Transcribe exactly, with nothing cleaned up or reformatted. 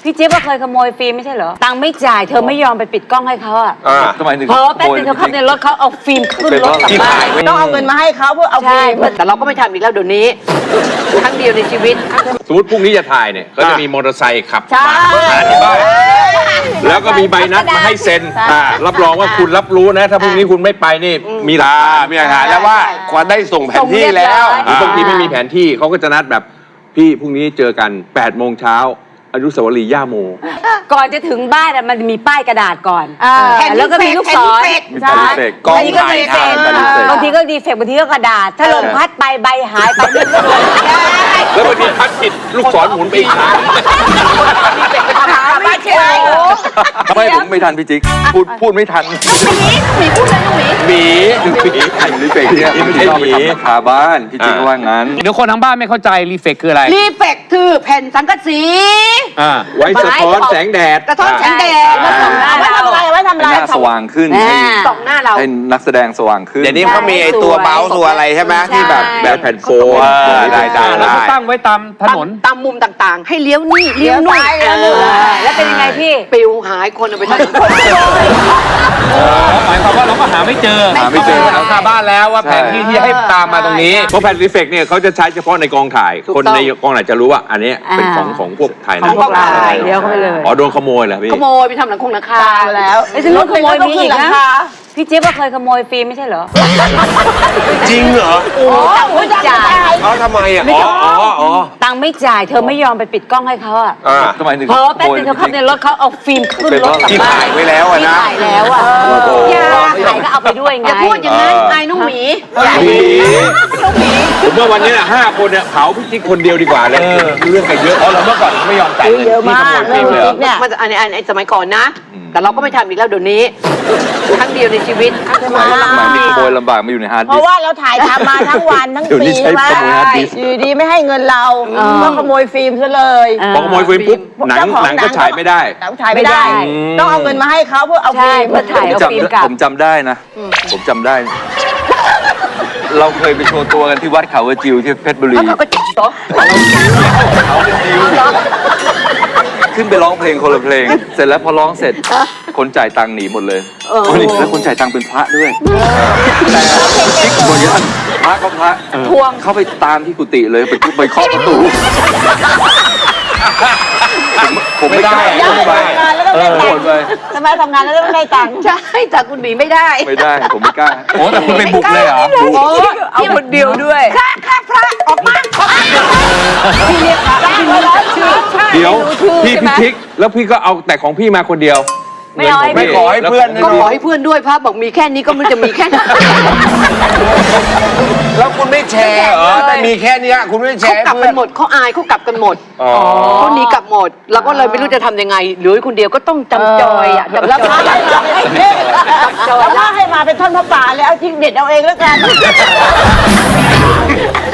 พี่เจี๊ยบก็เคยขโมยฟิล์มไม่ใช่เหรอตังค์ไม่จ่ายเธอไม่ยอมไปปิดกล้องให้เขาอะทำไมถึงเพราะแป๊บนึงเธอขับในรถเขาเอาฟิล์มขึ้นรถกลับบ้านต้องเอาเงินมาให้เขาเพื่อเอาใช่ฟิล์มแต่เราก็ไม่ทำอีกแล้วเดี๋ยวนี้ครั้งเดียวในชีวิตสมมติพรุ่งนี้จะถ่ายเนี่ยก็จะมีมอเตอร์ไซค์ขับใช่มาหาที่บ้านแล้วก็มีใบนัดมาให้เซ็นอ่ารับรองว่าคุณรับรู้นะ ถ้าพรุ่งนี้คุณไม่ไปนี่มีหลักอ่าฐานมีอาหารแล้วว่าควาได้ส่งแผนที่แล้วหรือบางทีไม่มีแผนที่เขาก็จะนัดแบบพี่พรุ่งนี้เจอกันแปดโมงเช้าอนุสาวรีย์ย่าโมก่อนจะถึงบ้านอะมันมีป้ายกระดาษก่อนแผ่นแล้วก็มีลูกศรแผ่นใช่เฟกกองบางทีก็ถ่ายดีเฟกต์ทำกันบางทีก็ดีเฟกต์บางทีก็กระดาษ ถ้าลมพัดไปใบหายไปนี่ก็โดนแล้วบางทีพัดผิดลูกศรหมุนไปอีกครั้งไม่ใช่ทำไมผมไม่ทันพี่จิ๊กพูดพูดไม่ทันหมีพูดเลยน้องหมีหมีหมีไข่ลิเฟกเนี่ยไม่ใช่หมีคาบ้านพี่จิ๊กว่างั้นเดี๋ยวคนทั้งบ้านไม่เข้าใจรีเฟกคืออะไรรีเฟกคือแผ่นสังกะสีอ่าไว้สะท้อนแสงแดดกระท้อนแสงแดดแล้วส่งหน้าไว้เราทำอะไรไว้ทำอะไรให้หน้าสว่างขึ้นให้ส่องหน้าเราให้นักแสดงสว่างขึ้นเดี๋ยวนี้เขามีไอ้ตัวเมาส์ตัวอะไรใช่ไหมที่แบบแบบแผ่นโฟมได้ได้แล้วได้ก็ตั้งไว้ตามถนนตามมุมต่างๆ ให้เลี้ยวนี่เลี้ยวนู่นเออแล้วเป็นยังไงพี่ปิวหายคนเอาไปทำหมายความว่าเราก็หาไม่เจอหาไม่เจอหาบ้านแล้วว่าแผนที่ที่ให้ตามมาตรงนี้เพราะแผ่นรีเฟกเนี่ยเขาจะใช้เฉพาะในกองถ่าย คนในกองถ่ายจะรู้ว่าอันนี้เป็นของของพวกถ่ายหนัของ งกองถ่ายเดี๋ยวเข้าไปเลยอ๋อโดนขโมยเหรอพี่ขโมยไปทำหลังคงหลังคาแล้วไอ้ฉันรู้ขโมยมีอีกนะพี่เจี๊ยบก็เคยขโมยฟิล์มไม่ใช่เหรอจริงเหรอโอ้ตังค์ไม่จ่ายเขาทำไมอ่ะอ๋ออ๋ออ๋อตังค์ไม่จ่ายเธอไม่ยอมไปปิดกล้องให้เขาอะอ่าทำไมถึงเพราะแป๊บนึงเธอขับในรถเขาเอาฟิล์มขึ้นรถกลับที่บ้าถ่าน ยไว้แล้วอะนะถ่ายแล้วอะอย่าถ่ายก็เอาไปด้วยไงอย่าพูดอย่างนั้นไอ้น้องหมีหมีผมว่าวันนี้น่ะห้าคนเนี่ยเผาพี่จิ๊กคนเดียวดีกว่าเลยเรื่องกันเยอะอ๋อเราเมื่อก่อนไม่ยอมจ่ายเงินเยอะที่มาขกโมยฟิล์มเลยเหรอเนี่ยมันอันนี้อันนี้สมัยก่อนนะ แต่เราก็ไม่ทำอีกแล้วเดี๋ยวนี้ครั้งเดียวในชีวิตสมัยสมัยนี้ขโมยลำบากมาอยู่ในฮาร์ดเพดิสราะก์ว่าเราถ่ายทำมาทั้งวันทั้งเดี๋ยวปีนี้ใช้ว่าขโมยฮาร์ดดิสก์อยู่ดีไม่ให้เงินเราก็ขโมยฟิล์มซะเลยพอขโมยฟิล์มปุ๊บหนังหนังก็ฉายไม่ได้หนังถ่ายไม่ได้ ต้องเอาเงินมาให้เขาเพื่อเอาใช่ฟิล์มเพื่อถ่ายเอาจำฟิล์มกลับผมจำได้นะ ผมจำได้ เราเคยไปโชว์ตัวกันที่วัดเขากระจิวที่เพชรบุรีเขาก็จิ๋วเขากระจิวขึ้นไปร้องเพลงคนละเพลง เสร็จแล้วพอร้องเสร็จ คนจ่ายตังค์หนีหมดเลยคนนี้แล้วคนจ่ายตังค์เป็นพระด้วย แต่จิ๊กบนยันพระก็พระทวงเข้าไปตามที่กุฏิเลยไปทุบไปเคาะประตู ผมผมไม่ได้ได้ไม่ได้ทำงานแล้วต้องได้โหตังดค์เลยทำไมทำงานแล้วต้องได้ตังค์ใช่แต่คุณหนีไม่ได้ไม่ได้ผมไม่กล้าโอ้แต่คุณไปบุกเลยเหรอโอ้เอาคนเดียวด้วยข้าข้าพระออกมาพี่เรียกพระได้แล้วชื่อเดี๋ยวพี่พี่จิ๊กแล้วพี่ก็เอาแต่ของพี่มาคนเดียวไม่เอาให้ไม่พี่ขอให้เพื่อนก็ขอให้เพื่อนด้วยพระบอกมีแค่นี้ก็มันจะมีแค่นั้นแล้วคุณไม่แชร์เหรอแต่มีแค่เนี้ยคุณไม่แชเขาร์กลับกันหมดเขาอายเขากลับกันหมดอ๋อเขาหนีกลับหมดเราก็เลยไม่รู้จะทำยังไงเหลือคนเดียวก็ต้องจำจอยอ่ะจำแล้วพระให้มาแล้วพระให้มาเป็นท่อนพระป่าเลยเอาทิ้งเด็ดเอาเองแล้วกัน